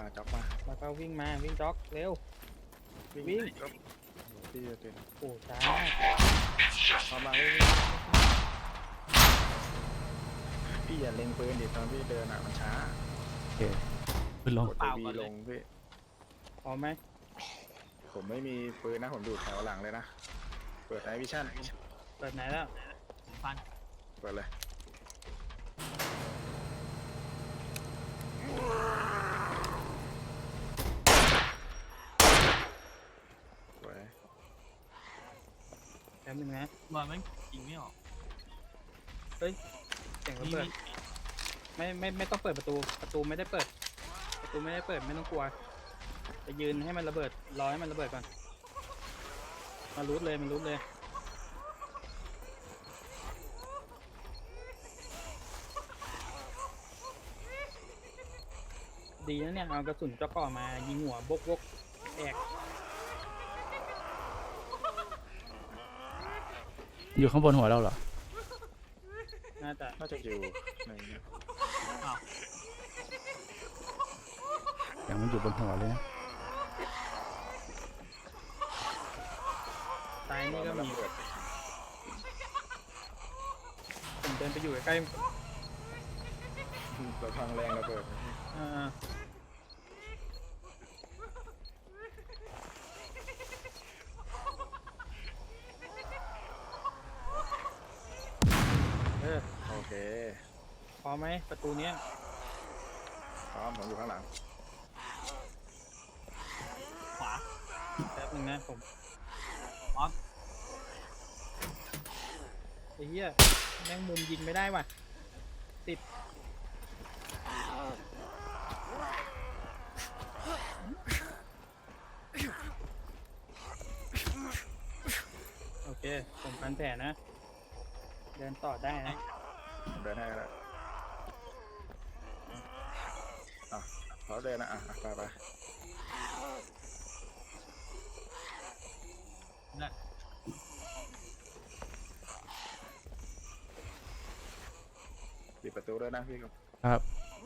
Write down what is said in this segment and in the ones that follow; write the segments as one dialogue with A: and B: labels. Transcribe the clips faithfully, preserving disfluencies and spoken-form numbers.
A: มาจ็อกมา
B: แล้วก็วิ่งมาวิ่งจ็อกเร็ว
A: วิ่ง
B: วิ่ง
A: จ็อกพี่จะเป็น
B: โอ้ช้า
A: พอมาวิ่งพี่อย่าเล็งปืนดิตอนพี่เดินอ่ะมันช้า
C: โอเคขึ้นลง
A: กดตัววีลงพี่
B: พอไหม
A: ผมไม่มีปืนนะผมอยู่แถวหลังเลยนะเปิดไนท์วิชั่น
B: เปิดไหนแล้ว
D: ฟัน
A: เปิดเลยสวย
B: แป๊บนึงนะ
D: บอลมันยิงไม่ออก
B: เสียงระ
D: มี
B: เบิด
D: มี
B: ไม่ไม่ไม่ต้องเปิดประตูประตูไม่ได้เปิด ประตูไม่ได้เปิดไม่ต้องกลัวไปยืนให้มันระเบิดรอให้มันระเบิดก่อนมารูดเลยมันรูดเลยดีนะเนี่ยเอากระสุนเจ้าก่อมายิงหัวบกบกแอก
C: อยู่ข้างบนหัวเราเหรอ
B: น่าจะ
A: น่าจะอยู่ในนี้
D: อ้าว
C: อย่างมันอยู่บนหัวเลยนะ
B: ตายนี่ก็
A: ระ
B: มี
A: เบิด
B: ผมเดินไปอยู่ใกล้
A: เราทางแรงระเบิด
B: ๆอ่าเออ
A: โอเค
B: พอไหมประตูเนี้ย
A: พร้อมผมอยู่ข้างหลัง
D: ขวา
B: แป๊บนึงนะผม
D: ออฟ
B: ไอ้เหี้ยแม่งมุมยิงไม่ได้ว่ะติดโอเคผมพันแผลนะ เดินต่อได้นะ
A: ผมเดินให้แล้วอ่ะเขาเดินนะอ่ะอ่ะไปไป
D: นั่น
A: ปิดประตูด้วยนะพี่ครับ
C: ครับ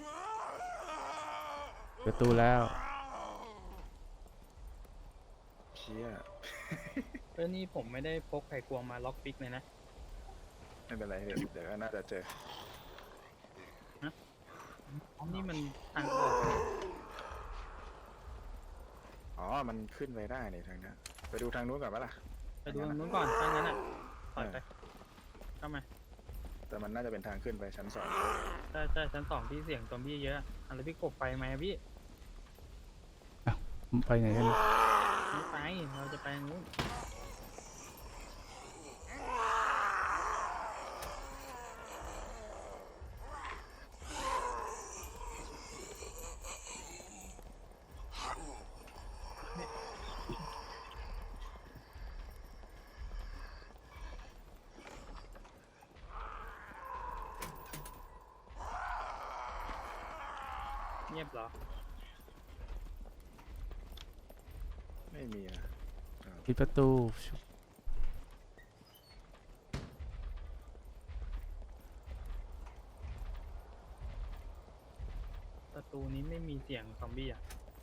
C: ประตูแล้ว
A: เชี่ย
B: เออนี่ผมไม่ได้พกไขควงมาล็อกปิกเลยนะ
A: ไม่เป็นไรเดี๋ยวเดี๋ยวน่าจะเจอ
B: นี่มันทางออก
A: อ๋อมันขึ้นไปได้นี่ทางนี้ไปดูทางนู้นก่อนปะล่ะ
B: ไปดูตรงนู้นก่อนทางนั้นอ่ะถอยไปเข้ามา
A: แต่มันน่าจะเป็นทางขึ้นไปชั้นสอง
B: ใช่ใช่ชั้นสองที่เสียงซอมบี้เยอะอะแล้วพี่กบไปไหมอะพี่
C: ไปไหนกัน
B: ไม่ไปเราจะไปทางนู้น เงียบเหรอ
A: ไม่มีนะอ่า
C: ปิดประตู
B: ประตูนี้ไม่มีเสียงซอมบี้อ่ะ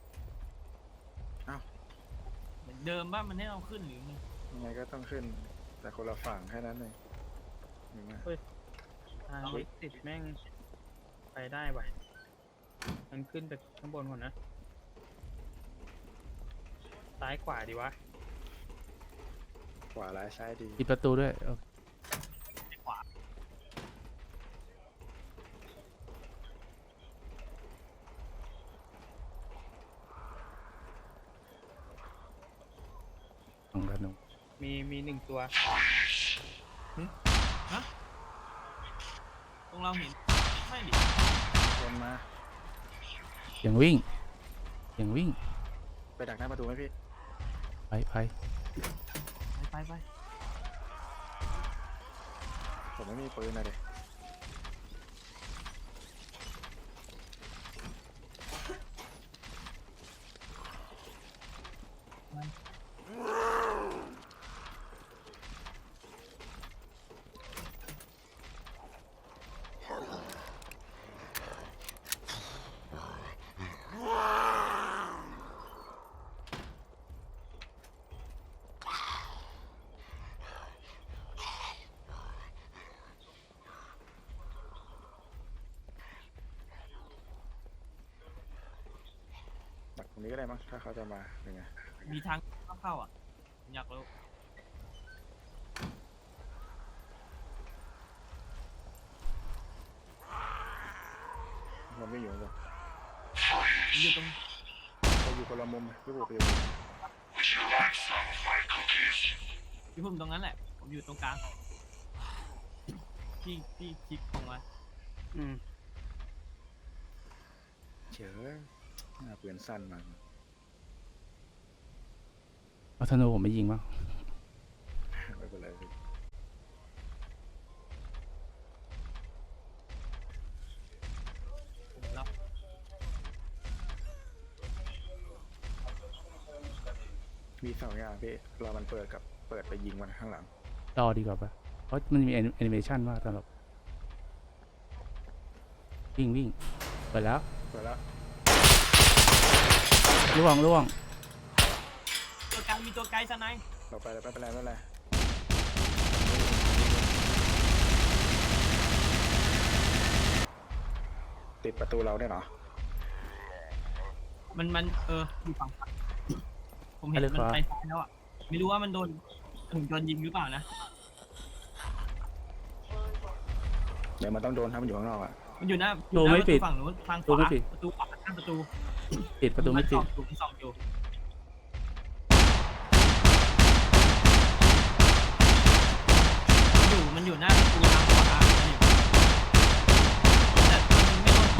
D: เหมือนเดิมบ้านมันให้เราขึ้นหรือไง
A: ยังไงก็ต้องขึ้น แต่คนละฝั่งแค่นั้นเองเห็นไหม
B: ทางเล็กติดแม่งไปได้ว่ะมันขึ้นไปข้างบนก่อนนะ ซ้ายขวาดีวะ
A: ขวาร้ายซ้ายดี
C: ปิดประตูด้วยโอเค
D: ขวา
C: ของกันหนู
B: มีมีหนึ่งตัว
D: ตรงเราเห็นไม่ดิ
A: คนมา
C: เสียงวิ่งเสียงวิ่ง
A: ไปดักหน้าประตูไหมพี่
C: ไปไป
D: ไปไปไป
A: ผมไม่มีปืนนะเด็กตรงนี้ก็ได้มั้งถ้าเขาจะมาเป็นไง
D: มีทางเข้าๆอ่ะผมอยากรู้
A: มันไม่อยู่ข้างบน
D: ผมอยู่ตรง
A: เราอยู่คนละมุมพี่บุกไปอยู่
D: พี่พุ่มตรงนั้นแหละ ผมอยู่ตรงกลางพี่พี่คลิกตรงมา
B: อืม
A: เฉยหน้าเปลี่ยนสั้นมา
C: เอาธนูผมไม่ยิงมั้ง
A: ไม่เป็นไรพี่
D: ผมแล้ว
A: มีสองอย่างพี่รอมันเปิดกับเปิดไปยิงมันข้างหลัง
C: รอดีกว่าปะเพราะมันมีแอนิเมชันว่าตลอดวิ่งวิ่งเปิดแล้ว
A: เปิดแล้ว
C: ล่วงล่วง
D: ตัวกลางมีตัวไกลสไนป์
A: เราไปเลยไม่เป็นไรไม่เป็นไรติดประตูเราได้เหรอ
D: มันมันเอออยู่ฝั่งซ้ายผมเห็นมันไปซ้ายแล้วอ่ะไม่รู้ว่ามันโดนถึงโดนยิงหรือเปล่านะ
A: เดี๋ยวมันต้องโดนถ้ามันอยู่ข้างนอกอ่ะ
D: มันอยู่หน้า
C: ดูไม่ปิด
D: ฝั่งนู้นทางข
C: ดู
D: วา
C: ไม่ปิด
D: ประตูขวาข้างประตู
C: ปิดประตูไม่ติด
D: นส่องอยู่มันส่องอยู่อยู่มันอยู่หน้าประตูทางขวามันอยู่แต่มันไม่โดน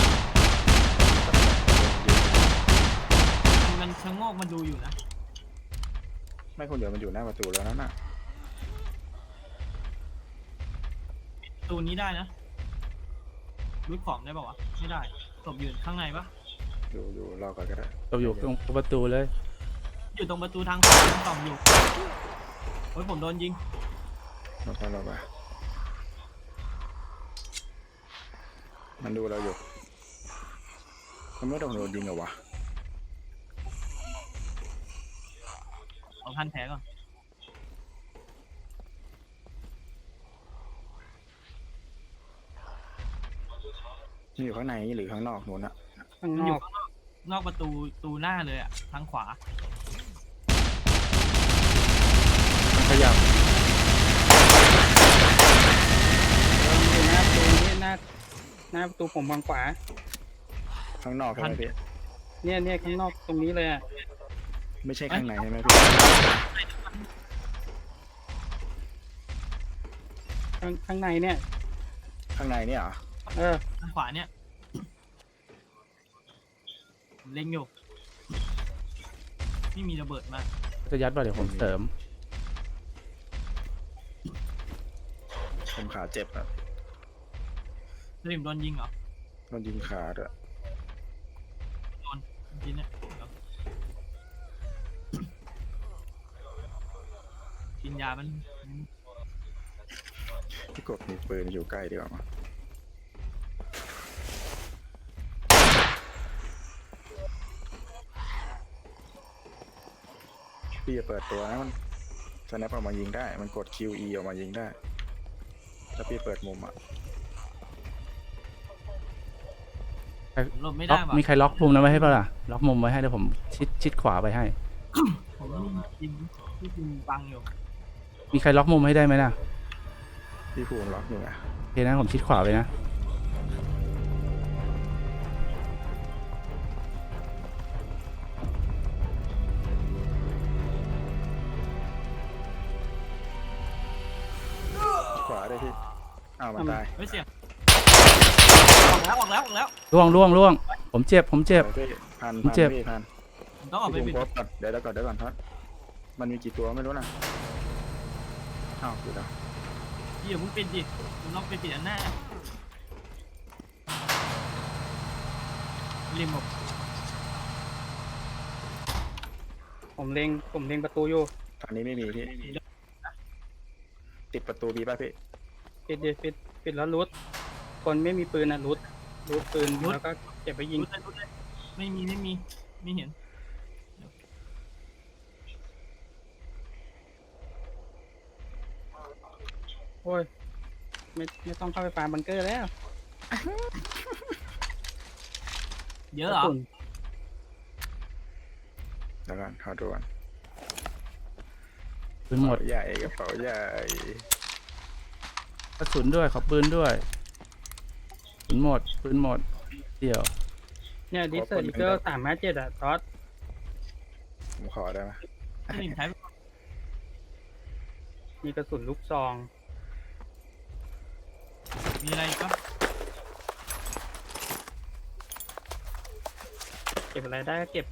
D: ยิงมันชะโงกมาดูอยู่นะ
A: ไม่คนเดียวมันอยู่หน้าประตูแล้วนั่นน่ะ
D: ประตูนี้ได้นะรูดของได้ป่าวะไม่ได้ศพอยู่ข้างในปะ
A: อยู่อยู่รอก่อนก็ได้
C: เราอยู่ตรงประตูเลย
D: อยู่ตรงประตูทางขวามันส่องอยู่โอ้ยผมโดนยิง
A: รอไปรอไปมันดูเราอยู่มันไม่โดนโดนยิงเหรอวะ
D: เอาพันแผลก่อน
A: นี่อยู่ข้างในหรือข้างนอกนู้นอะ
B: ข้าง
D: มัน
B: น
D: อ
B: อยู่ ก
D: ข้างนอกนอกประตูประตูหน้าเลยอ่ะทางขวา
C: ขยับ
B: เราอยู่หน้าประตูนี่หน้าหน้าประตูผมฝั่งขวา
A: ข้างนอกใช่ไหมพี่
B: เนี่ยเนี่ยข้างนอกตรงนี้เลยอ่ะ
A: ไม่ใช่ข้างในใช่ไหมพี่
B: ข้างข้างในเนี่ย
A: ข้างในเนี่ยเหรอ
B: เออ
D: ทางขวาเนี่ยผมเล็งอยู่ไม่มีระเบิดมา
C: จะยัดป่ะเดี๋ยวผมเสริม
A: ผมขาเจ็บอะ
D: สลิมโดนยิงเหรอ
A: โดนยิงขาด้วย
D: โดนจริงๆเนี่ยเดี๋ยวกินยามัน
A: พี่กบมีปืนอยู่ใกล้ดีกว่ามั้งพี่จะเปิดตัวนะมันสแนปออกมายิงได้ มันกด คิว อี ออกมายิงได้ถ้าพี่เปิดมุมอะ
D: ผมหลบไม่
C: ล็
D: ได้
C: อก
D: ว่ะ
C: มีใครล็อกมุมนั้นไว้ให้ป่ะล่ะล็อกมุมไว้ให้เดี๋ยวผมชิดชิดขวาไปให้
D: ผมยิงที่ยิงบังอยู่
C: มีใครล็อกมุมให้ได้ไหมน่ะ
A: พี่ภูมิล็อกอยู่ไง
C: โอเคนะผมชิดขวาไปนะ
A: ขวาได้พี่อ้าวมันตาย
D: เฮ้ยเสียงออกแล้วออกแล้วออกแล้ว
C: ล่วงล่วงล่วงผมเจ็บผมเจ็บ
A: ดี๋ยวพี่พัน
C: ผม
A: พัน
C: เจ็บ
A: พี่พัน
D: ผมต้องออกไป
A: พี่
D: ปิ
A: ภู
D: ด
A: มิพบก่อนเดี๋ยวเดี๋ยวก่อนเดี๋ยวก่อนทัดมันมีกี่ตัวไม่รู้นะอ้าวดูแล้ว
D: พี่อย่าเพิ่งปิดดิผมต้องไปปิดอันหน้าริมบอก
B: ผมเล็งผมเล็งประตูอยู่
A: ทางนี้ไม่มีพี่ติดประตูมีป่ะพี่
B: ปิดดิปิดปิดแล้วรูดคนไม่มีปืนอ่ะรูดรูดปืนแล้วก็เก็บไปยิง
D: รู้เลยรู้เลยไม่มีไม่มีไม่เห็น
B: โอ้ยไม่ไม่ต้องเข้าไปฟาร์มบังเกอร์แล้ว
D: เยอะเหรอ
B: กระสุน
A: แล้วกันขอดูก่อน
C: ปืนหมด
A: ใหญ่กระเป๋าใหญ่
C: กระสุนด้วยขอปืนด้วยปืนหมดปืนหมดเดี๋ยว
B: เนี่ยดิสเซอร์อีเกิลสามห้าเจ็ดอะทอส
A: ผมขอได้ไหม
D: สลิมใช้
B: มีกระสุนลูกซอง
D: มีอะไรอีกปะ
B: เก็บอะไรได้ก็เก็บ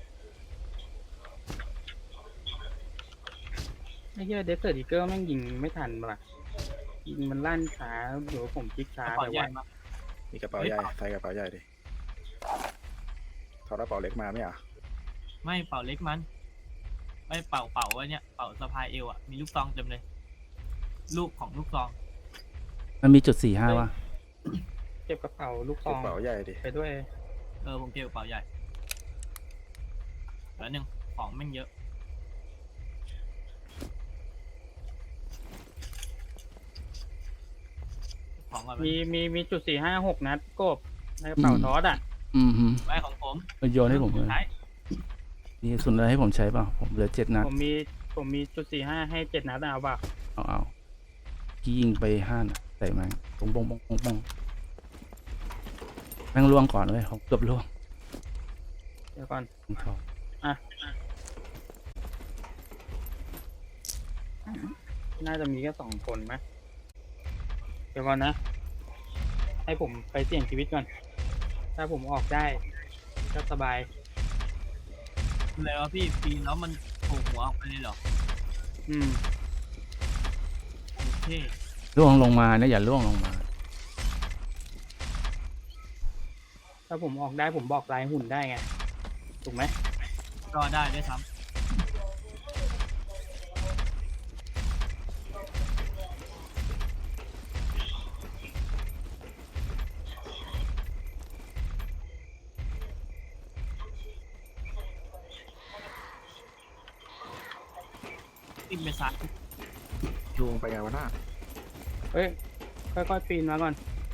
B: ไอ้เหี้ยเดสเซอร์อีเกิลแม่งยิงไม่ทันว่ะยิงมันลั่นช้าหรือว่าผมคลิกช้าก
D: ระ
B: ไป
D: เป๋าใหญ่
B: วะ
D: มา
A: มีกระเป๋าใหญ่ใส่กระเป๋าใหญ่ดิถอดกระเป๋าเล็กมาไม่เหรอ
D: ไม่เป่าเล็กมันไม่เป่าเป่าไว้เนี่ยเป่าสะพายเอวอ่ะมีลูกซองเต็มเลยลูกของลูกซอง
C: มันมีจุดสี่ห้าวะ
B: เก็บกระเป๋าลูกซ
A: ก
B: อ
A: ระ
B: ง
A: เป๋าใหญ่ดิ
B: ไปด้วย
D: เออผมเก็บกระเป๋าใหญ่แล้วหนึ่งของแม่งเยอะของก่อนไหม
B: มีมีมีจุดสี่ห้าหกนัดกบในกระเป๋าทอสอ่ะ
C: อืมฮึ
D: ไว้ของผม
C: มันโยนให้ผมเลย
D: ใช้
C: มีกระสุนอะไรให้ผมใช้เปล่าผมเหลือเจ็ดนัด
B: ผมมีผมมีจุดสี่ห้าให้เจ็ดนัดเอาเปล่า
C: เอาเอากี้ยิงไปห้านัดใส่แม่งปงปงปงปงปงแม่งล่วงก่อนเลยผมเกือบล่วง
B: เดี๋ยวก่อน
C: ผมทอง
B: น่าจะมีแค่สองคนไหมเดี๋ยวก่อนนะ ให้ผมไปเสี่ยงชีวิตก่อน ถ้าผมออกได้ก็สบาย
D: เลยวะพี่ปีนแล้วมันโผล่หัวออกไปเลยเหรอ
B: อืม
D: โอเค
C: ล่วงลงมานะอย่าล่วงลงมา
B: ถ้าผมออกได้ผมบอกลายหุ่นได้ไง ถูกไหม
D: ก็ได้ด้วยซ้ำติดไปซัก
A: ลุงไปไงวะหน้า
B: เฮ้ย ค่อยๆปีนมาก่อน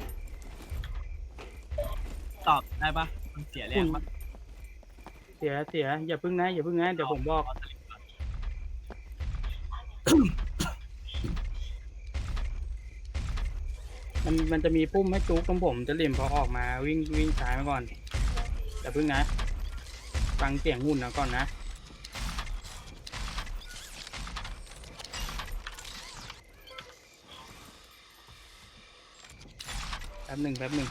D: ตอบได้ปะมันเสียแรงปะ
B: เสียเสียอย่าพึ่งนะอย่าพึ่งนะเดี๋ยวผมบอก
D: เาสลิปก่อน
B: มันมันจะมีปุ่มให้จุกตรงผมจะเหลี่ยมพอออกมาวิ่งวิ่งซ้ายมาก่อนอย่าพึ่งนะ ฟังเสียงหุ่นนะก่อนนะ แป๊บหนึ่งแป๊บหนึ่ง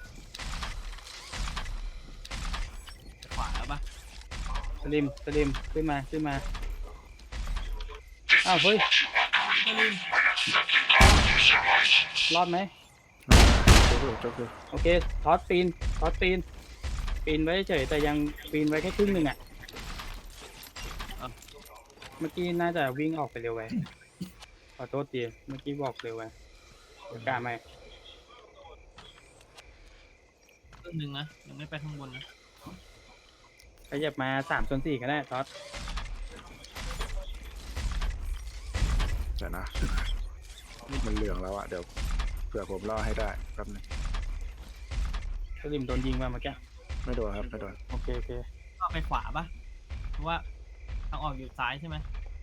D: ขวาแล้วปะ
B: สลิมสลิมขึ้นมาขึ้นมาอ้าวเฮ้ย
D: สลิม
B: รอดไหม
A: จุกอยู่จุกอยู่
B: โอเคทอสปีนทอสปีนปีนไว้เฉยแต่ยังปีนไว้แค่ครึ่งหนึ่งอ่ะเมื่อกี้น่าจะวิ่งออกไปเร็วไปขอโทษทีเมื่อกี้บอกเร็วไปเดี๋ยวกล้าไหม
D: ครึ่งหนึ่งนะยังไม่ไปข้างบนนะ
B: ขยับมาสามส่วนสี่ก็ได้ทอส
A: เดี๋ยวนะมันเหลืองแล้วอะเดี๋ยวเผื่อผมล่อให้ได้แป๊บนึง
B: สลิมโดนยิงมาเมื่อกี้
A: ไม่โดนครับไม่โดน
B: โอเคโอเค
D: ก็ไปขวาปะเพราะว่าทางออกอยู่ซ้ายใช่ไหม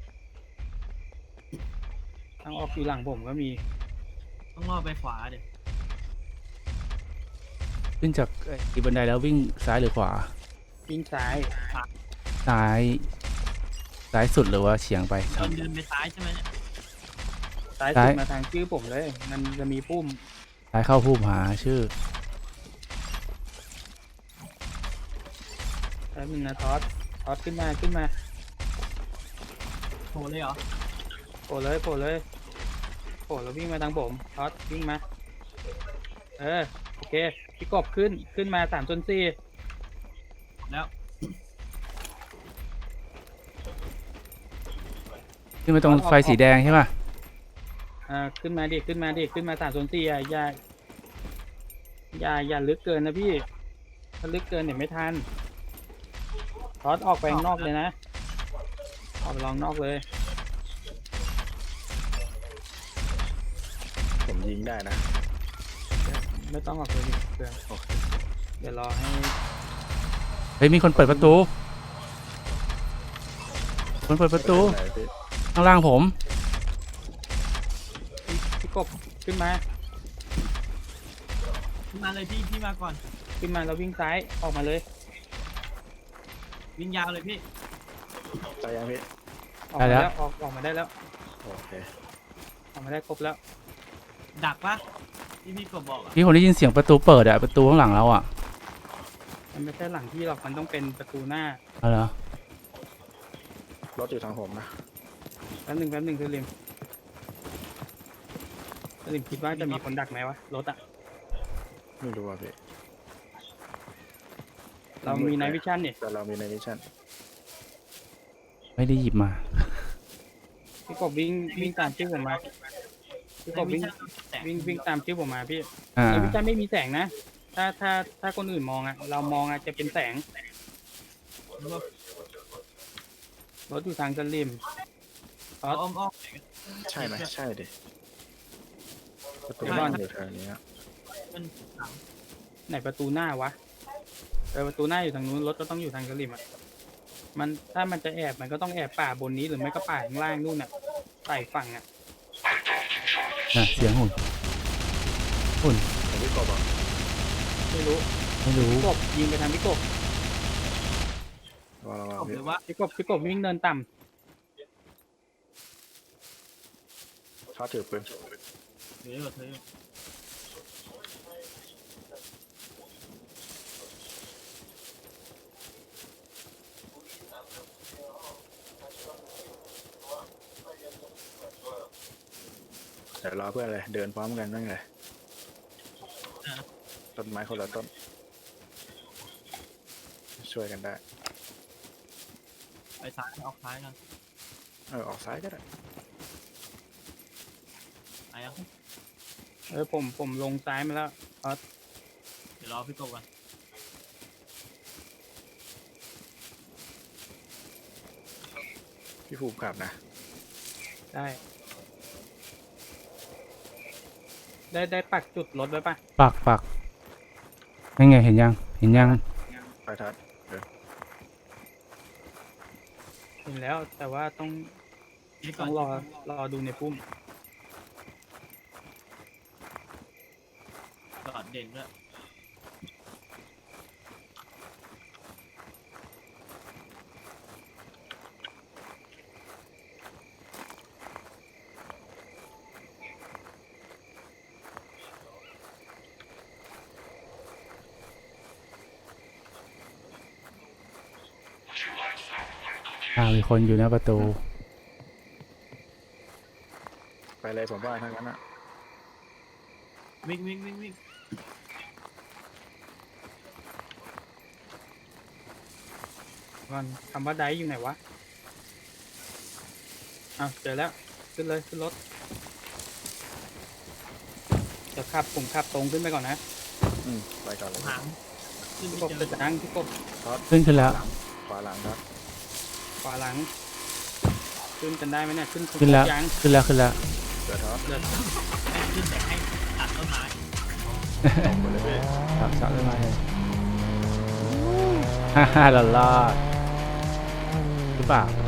B: ทางออกอยู่หลังผมก็มี
D: ต้องล่อไปขวาเดี๋ยว
C: ขึ้นจากไอ้บันไดแล้ววิ่งซ้ายหรือขวา
B: วิ่งซ้าย
C: ซ้ายซ้ายสุดหรือว่าเฉียงไป
D: เดินเดินไปซ้ายใช่ไหมเนี่ย
B: ซ้าย
C: ซ้า
B: สุ
C: ย
B: ดมาทางชื่อผมเลย มันจะมีปุ่ม
C: ซ้ายเข้าผู้หาชื่อ
B: แป๊บนึงนะทอสทอสขึ้นมาขึ้นมา
D: โผล่เลยเหรอ
B: โผล่เลยโผล่เลยโผล่แล้ววิ่งมาทางผมทอสวิ่งมาเออโอเคพี่กบขึ้นขึ้นมาสามส่วนสี่
D: แล้ว
C: ขึ้นมาตรงไฟสีแดงใช่ป่ะ
B: อ่าขึ้นมาดิขึ้นมาดิขึ้นมาสามส่วนสี่อ่ะอย่าอย่าอย่าลึกเกินนะพี่ถ้าลึกเกินเดี๋ยวไม่ทันทอสออกไปข้างนอกเลยนะออกไปลองนอกเลย
A: ผมยิงได้นะ
B: ไม่ต้องออกเลยดิเพื่อน
A: โอเค
B: เดี๋ยวรอให้
C: เฮ้ยมีคนเปิดประตูคนเปิดประตู
A: ไหนพี่
C: ข้างล่างผม
B: พี่พี่กบขึ้นมา
D: ขึ้นมาเลยพี่พี่มาก่อน
B: ขึ้นมาแล้ววิ่งซ้ายออกมาเลย
D: วิ่งยาวเลยพี่
A: ตายยังพี่
B: ออกมาแล้วออกออกมาได้แล้ว
A: โอเค
B: ออกมาได้ครบแล้ว
D: ดักปะที่พี่กบบอกอะ
C: พี่ผมได้ยินเสียงประตูเปิดอะประตูข้างหลังเราอะ
B: มันไม่ใช่หลังที่หรอกมันต้องเป็นประตูหน้า
C: เอาเหรอ
A: รถอยู่ทางผมนะ
B: แป๊บหนึ่งแป๊บหนึ่งคือริมคือริมคิดว่าจะมีคนดักไหมวะรถอะ
A: ไม่รู้อ่ะพี่
B: เรามีไนท์วิชั่นเนี่ย
A: แต่เรามีในมิชชั่น
C: ไม่ได้หยิบมา
B: พี่กบวิ่งวิ่งตามชื่อผมมาพี่กบวิ่ง
D: แต่
B: วิ่งวิ่งตามชื่อผมมาพี่
C: อ่า
B: ไนท์วิชั่นไม่มีแสงนะ ถ้าถ้าถ้าคนอื่นมองอะเรามองอะจะเป็นแสงรถอยู่ทางสลิม
D: อ้อมอ้อม
A: ใช่ไหมใช่ดิประตู
B: เดี๋ยวก่
A: บ้า
B: อน
A: นอยู่แถวนี้อะ
D: มันหลัง
B: ไหนประตูหน้าวะเออประตูหน้าอยู่ทางนู้นรถก็ต้องอยู่ทางสลิมอะมันถ้ามันจะแอบมันก็ต้องแอบป่าบนนี้หรือไม่ก็ป่าข้างล่างนู่นอะใส่ฝั่งอะ
C: น่ะเสียงหุ่นหุ่น
A: เห็นพี่กบอ่ะ
B: ไม่รู้
C: ไม่รู้
B: พี่กบยิงไปทางพี่กบ
A: ว่าเรา
D: กบ
A: พี่
D: หรือว่า
B: พี่กบพี่กบวิ่งเดินต่ำ
A: ชอบถือปืน
D: เธออยู่เธออยู่
A: เดี๋ยวรอเพื่อนเลยเดินพร้อมกันนั่งเลยต้นไม้คนละต้น ช่วยกันได้
D: ไปซ้ายออกซ้ายกัน
A: เออออกซ้ายก็ได้
D: ไปยัง
B: เออผมผมลงซ้ายมาแล้ว
D: เดี๋ยวรอพี่กบก่อน
A: พี่ภูมิขับนะ
B: ได้ ได้ได้ปักจุดรถไว้ปะ
C: ปักปักนั่นไงเห็นยังเห็นยัง
A: ไปทัด
B: เห็นแล้ว แต่ว่าต้อง
D: พี่ก่
B: ต้
D: อ
B: อน งรอรอดูในพุ่ม
D: จอดเด่นด้วย
C: อ่ามีคนอยู่หน้าประตู
A: ไปเลยผมว่าทั้งนั้นอ่ะ
D: วิ่งวิ่งวิ่งวิ่ง
B: ก่อนคำว่าไดอยู่ไหนวะอ้าวเจอแล้วขึ้นเลยขึ้นรถเดี๋ยวขับผมขับตรงขึ้นไปก่อนนะ
A: อืมไปก่อนเลย
D: หางขึ้น
B: พี่
D: ไม่
B: กบ
D: เจอ
B: จะนั่งพี่กบ
C: ขึ้นขึ้นแล้ว
A: ขวาหลังครับ
B: ขวาหลัง ขึ้นกันได้ไหมเนี่ยขึ้น
C: ขึ้นแล้ว
B: ยัง
C: ขึ้นแล้วขึ้นแล้ว
A: เดี๋ยวท็อป
B: เดี๋ยว
D: ขึ้นแต่ให้ตัดต้นไม้
A: ตรงไปเลยพี่
C: ครับสับเลยมาเลยฮ่าฮ่าหลอดรอดหรือเปล่า